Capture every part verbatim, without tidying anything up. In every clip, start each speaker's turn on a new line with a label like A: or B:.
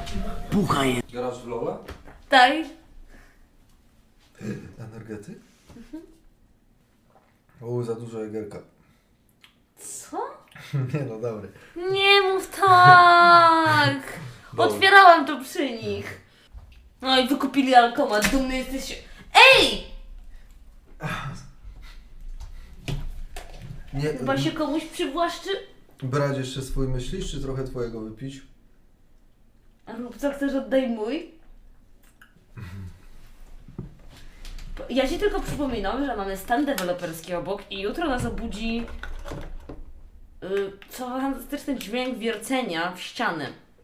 A: Pucha je.
B: Grasz w Lola?
C: Tak.
B: Energety? O, za dużo egerka.
C: Co?
B: Nie no, dobry.
C: Nie mów tak! Otwierałam to przy nich. No i wykupili alkomat, dumny jesteś. Ej!
B: Nie,
C: Chyba się komuś przywłaszczy.
B: brać jeszcze swój myślisz, czy trochę twojego wypić?
C: A rób co chcesz, oddaj mój. Ja ci tylko przypominam, że mamy stan deweloperski obok i jutro nas obudzi yy, co fantastyczny dźwięk wiercenia w ścianę.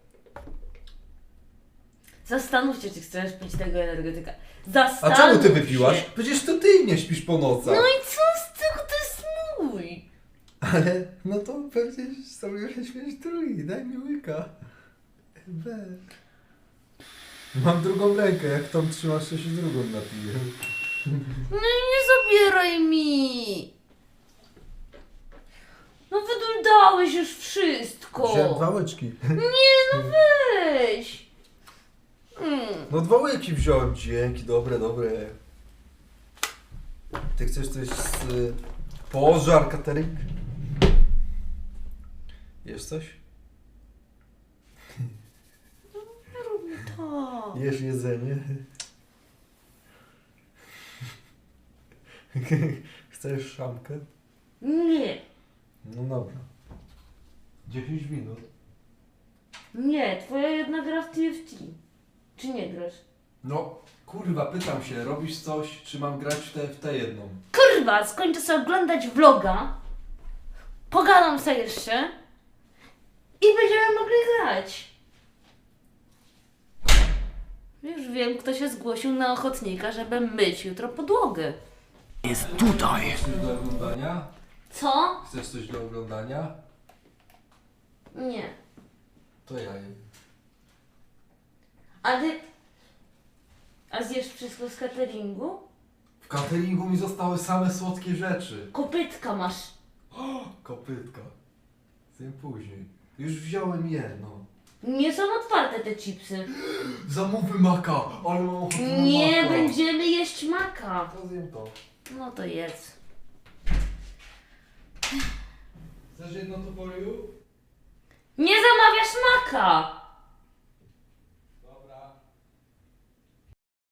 C: Zastanów się, czy chcesz pić tego energetyka.
B: A
C: Zastanów
B: czemu ty
C: się.
B: wypiłaś? Przecież to ty nie śpisz po nocach.
C: No i co z tego, to jest mój.
B: Ale, no to pewnie sobie śmieć drugi, daj mi łyka. We. Mam drugą rękę, jak tą trzymasz, to się drugą napiję.
C: No i nie zabieraj mi. No wydudałeś już wszystko.
B: Wziąłem dwa łyczki.
C: Nie, no weź. Mm.
B: No dwa łyki wziąłem, dzięki, dobre, dobre. Ty chcesz coś z... Y, pożar, catering? Jesz coś?
C: To.
B: Jesz jedzenie? Chcesz szamkę?
C: Nie,
B: No dobra. dziesięć minut.
C: nie, twoja jedna gra w T F T. Czy nie grasz?
B: No, kurwa, pytam się, robisz coś, czy mam grać w tę w tę jedną?
C: Kurwa, skończę sobie oglądać vloga, pogadam sobie jeszcze i będziemy mogli grać. Już wiem, kto się zgłosił na ochotnika, żeby myć jutro podłogę.
A: Jest tutaj.
B: Chcesz coś do oglądania?
C: Co?
B: Chcesz coś do oglądania?
C: Nie.
B: To ja jem.
C: A ty... A zjesz wszystko z cateringu?
B: W cateringu mi zostały same słodkie rzeczy.
C: Kopytka masz.
B: Kopytka. Zjem później. Już wziąłem jedno.
C: Nie są otwarte te chipsy.
B: Zamówy maka, ale mam ochotę na
C: Nie
B: maka.
C: będziemy jeść maka.
B: To zjem to.
C: No to jedz.
B: Chcesz jedno to for you?
C: Nie zamawiasz maka!